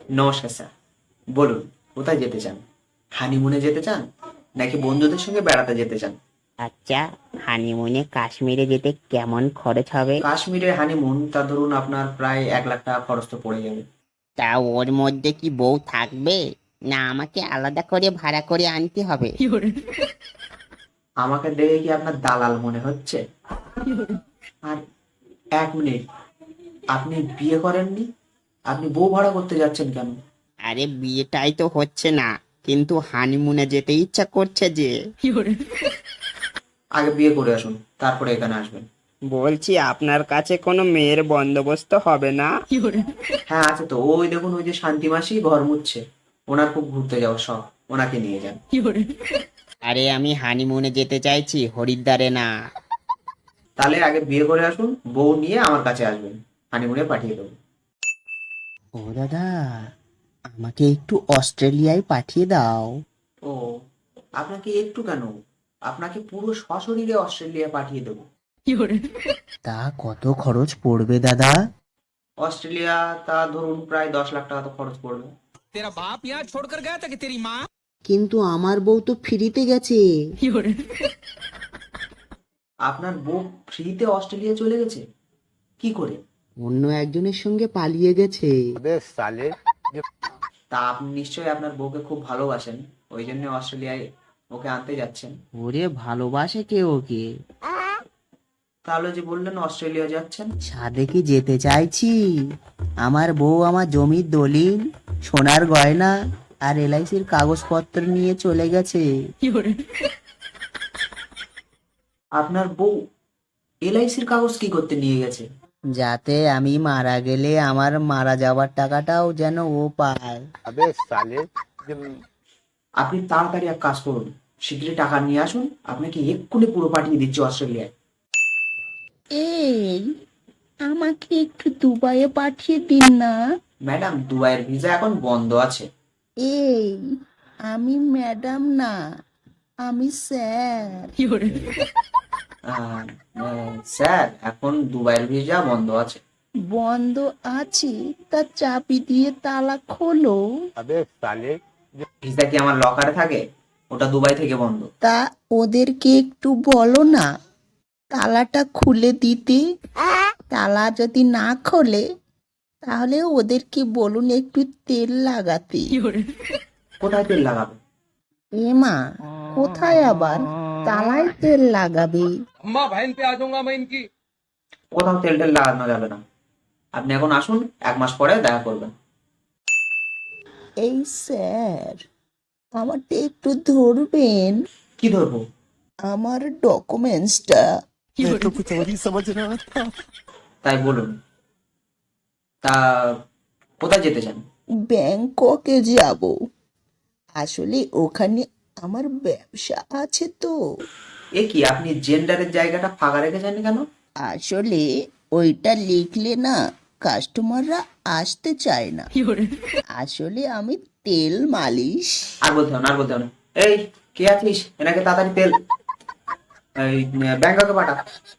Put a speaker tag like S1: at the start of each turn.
S1: নমস্কার স্যার, বলুন কোথায় যেতে চান? হানিমুনে যেতে চান নাকি বন্ধুদের সঙ্গে বেড়াতে যেতে চান?
S2: আচ্ছা, হানিমুনে কাশ্মীরে যেতে কেমন খরচ হবে?
S1: কাশ্মীরে হানিমুন, তা ধরুন আপনার প্রায় 1 লাখ টাকা খরচ তো পড়ে যাবে।
S2: তা ওর মধ্যে কি বউ থাকবে, না আমাকে আলাদা করে ভাড়া করে আনতে হবে?
S1: আমাকে দেখে কি আপনার দালাল মনে হচ্ছে? আর 1 মিনিট, আপনি বিয়ে করেননি, আপনি বউ ভাড়া করতে যাচ্ছেন কেন?
S2: আরে বিয়েটাই তো হচ্ছে না, কিন্তু হানিমুনে যেতে ইচ্ছা করছে যে।
S1: আগে বিয়ে করে আসুন, তারপরে এখানে আসবেন।
S2: বলছি আপনার কাছে কোনো মেয়ের বন্দোবস্ত হবে না?
S1: হ্যাঁ আছে তো, ওই দেখুন, ওই যে শান্তি মাসি ঘর মুছছে, ওনার খুব ঘুরতে যাওয়ার শখ, ওনাকে নিয়ে যান।
S2: আরে আমি হানিমুনে যেতে চাইছি, হরিদ্বারে না।
S1: তাহলে আগে বিয়ে করে আসুন, বউ নিয়ে আমার কাছে আসবেন, হানিমুনে পাঠিয়ে দেবো।
S2: ও দাদা, আমাকে একটু অস্ট্রেলিয়ায় পাঠিয়ে দাও।
S1: ও, আপনাকে একটু কেন, আপনাকে পুরো সশরীরে অস্ট্রেলিয়া পাঠিয়ে দেবো।
S2: তা কত খরচ পড়বে দাদা?
S1: অস্ট্রেলিয়া, তা ধরুন প্রায় 10 লাখ টাকা তো খরচ পড়বে।
S3: तेरा बाप यहाँ छोड़कर गया था कि तेरी माँ।
S2: কিন্তু আমার বউ তো ফ্রিতে গেছে।
S1: আপনার বউ ফ্রিতে অস্ট্রেলিয়া চলে গেছে? কি করে?
S2: অন্য একজনের সঙ্গে পালিয়ে গেছে।
S1: তা আপনি নিশ্চয়ই আপনার বউকে খুব ভালোবাসেন, ওই জন্য অস্ট্রেলিয়ায় ওকে আনতে যাচ্ছেন।
S2: ওরে ভালোবাসে কে ওকে?
S1: তাহলে যে বললেন অস্ট্রেলিয়া যাচ্ছেন।
S2: সাদেকে যেতে চাইছি। আমার বউ আমার জমির দলিল, সোনার গয়না আর এলআইসির কাগজপত্র নিয়ে চলে গেছে।
S1: আপনার বউ এলআইসির কাগজ কি করতে নিয়ে গেছে?
S2: যাতে আমি মারা গেলে আমার মারা যাওয়ার টাকাটাও যেন ও পায়।
S1: আপনি তাড়াতাড়ি এক কাজ করুন, শীঘ্রই টাকা নিয়ে আসুন, আপনাকে এক্ষুনি পুরো পাঠিয়ে দিচ্ছি অস্ট্রেলিয়ায়।
S4: এই, আমাকে একটু দুবাইয়ে পাঠিয়ে দিন না।
S1: ম্যাডাম, দুবাইয়ের ভিসা এখন বন্ধ আছে।
S4: এই, আমি ম্যাডাম না, আমি স্যার।
S1: আহ, স্যার, এখন দুবাইয়ের ভিসা বন্ধ আছে।
S4: বন্ধ আছে, তা চাবি দিয়ে তালা খোলো।
S1: ভিসা কি আমার লকারে থাকে? ওটা দুবাই থেকে বন্ধ।
S4: তা ওদেরকে একটু বলো না তালাটা খুলে দিতে। তালা যদি না খোলে তাহলে ওদেরকে বলুন একটু তেল লাগাতে।
S1: কোথায় তেল লাগাবে?
S4: এমা, কোথায় আবার, তালায় তেল লাগাবে।
S3: अम्मा बहन पे आ जाऊंगा मैं इनकी।
S1: কোথাও তেল টেল লাগানো যাবে না, আপনি এখন আসুন, 1 মাস পরে দেখা করবেন।
S4: এই স্যার, আমারটা একটু ধরবেন,
S1: কি ধরবো?
S4: আমার ডকুমেন্টসটা।
S1: তাই বলুন, তা কোথায় যেতে চান?
S4: ব্যাংককে যাব, আসলে ওখানে আমার ব্যবসা আছে তো।
S1: এ কি, আপনি জেন্ডারের জায়গাটা ফাঁকা রেখেছেন কেন?
S4: আসলে ওইটা লিখলে না কাস্টমাররা আসতে চায় না। আসলে আমি তেল মালিশ।
S1: আর বলতে হবে না, আর বলতে হবে না। এই, কে আছিস, এনাকে তাড়াতাড়ি তেল এই ব্যাংককে পাঠা।